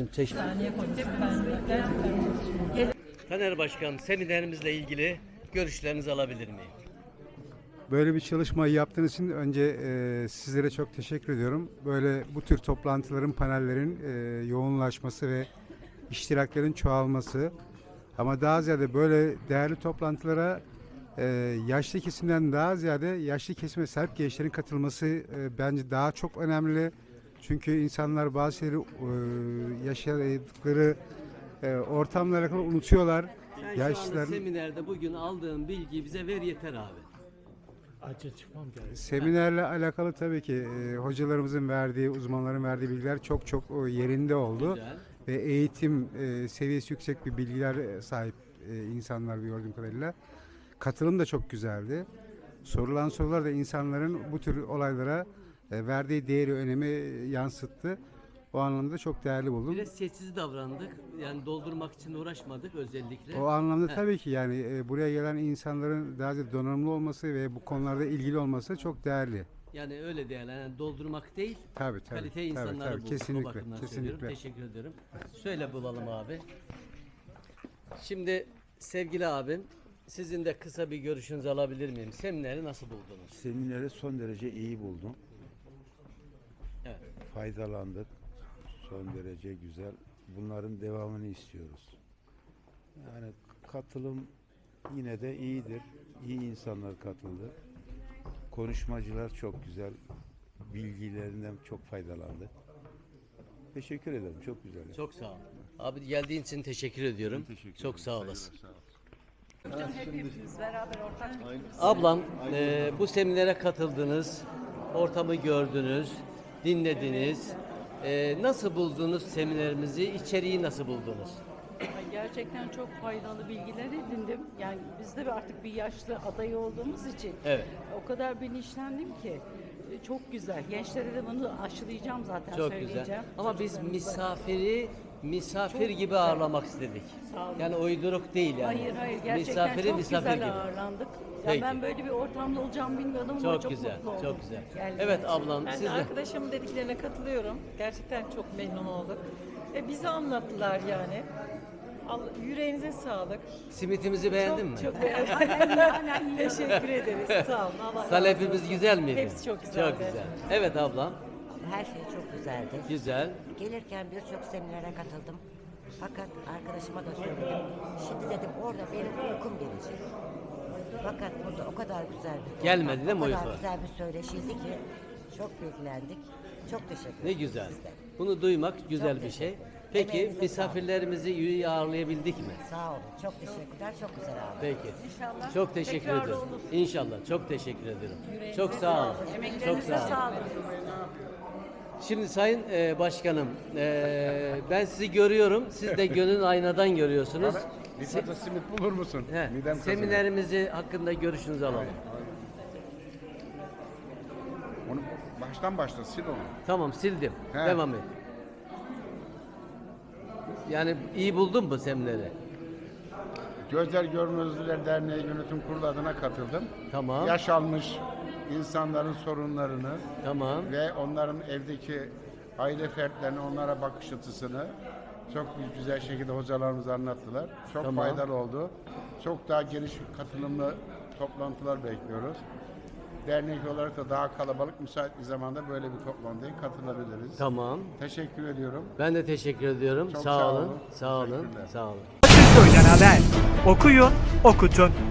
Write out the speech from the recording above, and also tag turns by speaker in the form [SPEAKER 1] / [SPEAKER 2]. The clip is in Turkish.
[SPEAKER 1] efendim. Teşekkür Taner Başkan, seminerimizle ilgili görüşlerinizi alabilir miyim?
[SPEAKER 2] Böyle bir çalışmayı yaptığınız için önce sizlere çok teşekkür ediyorum. Böyle bu tür toplantıların, panellerin yoğunlaşması ve iştiraklerin çoğalması, ama daha ziyade böyle değerli toplantılara yaşlı kesimden daha ziyade yaşlı kesime sahip gençlerin katılması bence daha çok önemli. Çünkü insanlar bazı şeyleri yaşadıkları ortamla alakalı unutuyorlar.
[SPEAKER 1] Sen şu anda seminerde bugün aldığın bilgiyi bize ver yeter abi.
[SPEAKER 2] Seminerle alakalı tabii ki hocalarımızın verdiği, uzmanların verdiği bilgiler çok çok yerinde oldu.
[SPEAKER 1] Güzel.
[SPEAKER 2] Ve eğitim seviyesi yüksek bir bilgiler sahip insanlar gördüğüm kadarıyla. Katılım da çok güzeldi. Sorulan sorular da insanların bu tür olaylara verdiği değeri, önemi yansıttı. O anlamda çok değerli buldum.
[SPEAKER 1] Biraz sessiz davrandık. Yani doldurmak için uğraşmadık özellikle.
[SPEAKER 2] O anlamda tabii ki yani buraya gelen insanların daha ziyade donanımlı olması ve bu konularda ilgili olması çok değerli.
[SPEAKER 1] Yani öyle yani doldurmak değil,
[SPEAKER 2] Tabii,
[SPEAKER 1] kalite insanları bulduk.
[SPEAKER 2] kesinlikle,
[SPEAKER 1] O bakımdan
[SPEAKER 2] kesinlikle.
[SPEAKER 1] söylüyorum. Teşekkür ederim. Söyle bulalım abi. Şimdi sevgili abim, sizin de kısa bir görüşünüzü alabilir miyim? Semineri nasıl buldunuz?
[SPEAKER 3] Semineri son derece iyi buldum.
[SPEAKER 1] Evet.
[SPEAKER 3] Faydalandık. Son derece güzel. Bunların devamını istiyoruz. Yani katılım yine de iyidir. İyi insanlar katıldı. Konuşmacılar çok güzel. Bilgilerinden çok faydalandık. Teşekkür ederim. Çok güzel.
[SPEAKER 1] Çok sağ ol. Abi geldiğin için teşekkür ediyorum. Çok sağ olasın.
[SPEAKER 4] Hepimiz beraber ortak.
[SPEAKER 1] Ablam, bu seminere katıldınız, ortamı gördünüz, dinlediniz. Nasıl buldunuz seminerimizi, içeriği nasıl buldunuz?
[SPEAKER 4] Gerçekten çok faydalı bilgiler edindim. Yani biz de artık bir yaşlı aday olduğumuz için
[SPEAKER 1] Evet.
[SPEAKER 4] o kadar bilinçlendim ki çok güzel. Gençlere de bunu aşılayacağım zaten,
[SPEAKER 1] Çok
[SPEAKER 4] söyleyeceğim.
[SPEAKER 1] güzel. Ama biz
[SPEAKER 4] Çocuklarımıza.
[SPEAKER 1] misafir gibi ağırlamak istedik.
[SPEAKER 4] Sağ olun.
[SPEAKER 1] Yani uyduruk değil yani.
[SPEAKER 4] Hayır gerçekten
[SPEAKER 1] Misafiri
[SPEAKER 4] çok
[SPEAKER 1] misafir
[SPEAKER 4] güzel
[SPEAKER 1] gibi.
[SPEAKER 4] ağırlandık.
[SPEAKER 1] Peki.
[SPEAKER 4] Ya ben böyle bir ortamda olacağımı bilmiyordum ama
[SPEAKER 1] Çok
[SPEAKER 4] çok
[SPEAKER 1] güzel,
[SPEAKER 4] mutlu oldum.
[SPEAKER 1] çok güzel.
[SPEAKER 4] Geldiğiniz
[SPEAKER 1] Evet
[SPEAKER 4] için.
[SPEAKER 1] ablam,
[SPEAKER 5] Ben
[SPEAKER 1] siz
[SPEAKER 5] de
[SPEAKER 1] de.
[SPEAKER 5] arkadaşımın dediklerine katılıyorum. Gerçekten çok memnun olduk. Bizi anlattılar yani. Yüreğinize sağlık.
[SPEAKER 1] Simitimizi beğendin mi?
[SPEAKER 5] Çok beğendim. Teşekkür ederiz. Sağ olun. Allah razı olsun.
[SPEAKER 1] Salepimiz güzel miydi?
[SPEAKER 5] Hepsi çok güzeldi.
[SPEAKER 1] Çok güzel. Evet ablam,
[SPEAKER 6] Her şey çok güzeldi.
[SPEAKER 1] güzel.
[SPEAKER 6] Gelirken birçok seminere katıldım. Fakat arkadaşıma da söyledim. Şimdi dedim orada benim uykum gelecek. Fakat burada o kadar güzel bir
[SPEAKER 1] Gelmedi değil mi
[SPEAKER 6] o
[SPEAKER 1] uyku?
[SPEAKER 6] kadar güzel bir söyleşiydi ki çok bilgilendik. Çok teşekkür ederim.
[SPEAKER 1] Ne güzel.
[SPEAKER 6] size.
[SPEAKER 1] Bunu duymak güzel
[SPEAKER 6] Çok
[SPEAKER 1] bir şey.
[SPEAKER 6] teşekkür.
[SPEAKER 1] Peki
[SPEAKER 6] Emeğinize
[SPEAKER 1] misafirlerimizi iyi ağırlayabildik mi?
[SPEAKER 6] Sağ olun. Çok teşekkürler. Çok güzel abi.
[SPEAKER 1] Peki.
[SPEAKER 4] İnşallah
[SPEAKER 1] Çok teşekkür
[SPEAKER 4] tekrarı
[SPEAKER 1] ederim.
[SPEAKER 4] olur.
[SPEAKER 1] İnşallah. Çok teşekkür ederim. Çok sağ olun. Çok
[SPEAKER 4] Emeklerinize
[SPEAKER 1] sağ olun.
[SPEAKER 4] sağlık.
[SPEAKER 1] Şimdi Sayın Başkanım, ben sizi görüyorum. Siz de gönül aynadan görüyorsunuz.
[SPEAKER 7] Bir fazla simit bulur musun?
[SPEAKER 1] He,
[SPEAKER 7] Midem kazınıyor.
[SPEAKER 1] seminerimizi hakkında görüşünüzü alalım.
[SPEAKER 7] Onu baştan başla sil onu.
[SPEAKER 1] Tamam, sildim.
[SPEAKER 7] He.
[SPEAKER 1] Devam et. Yani iyi buldun mu semineri?
[SPEAKER 7] Gözler Görmezliler Derneği Yönetim Kurulu adına katıldım.
[SPEAKER 1] Tamam.
[SPEAKER 7] Yaş almış insanların sorunlarını
[SPEAKER 1] Tamam.
[SPEAKER 7] ve onların evdeki aile fertlerini, onlara bakış açısını çok güzel şekilde hocalarımız anlattılar. Çok
[SPEAKER 1] Tamam.
[SPEAKER 7] faydalı oldu. Çok daha geniş katılımlı toplantılar bekliyoruz. Dernek olarak da daha kalabalık, müsait bir zamanda böyle bir toplantıya katılabiliriz.
[SPEAKER 1] Tamam.
[SPEAKER 7] Teşekkür ediyorum.
[SPEAKER 1] Ben de teşekkür ediyorum.
[SPEAKER 7] Çok
[SPEAKER 1] sağ
[SPEAKER 7] sağ
[SPEAKER 1] olun.
[SPEAKER 7] olun.
[SPEAKER 1] Sağ olun.
[SPEAKER 7] Teşekkürler.
[SPEAKER 1] Sağ olun.
[SPEAKER 8] Köy'den haber. Okuyun, okutun.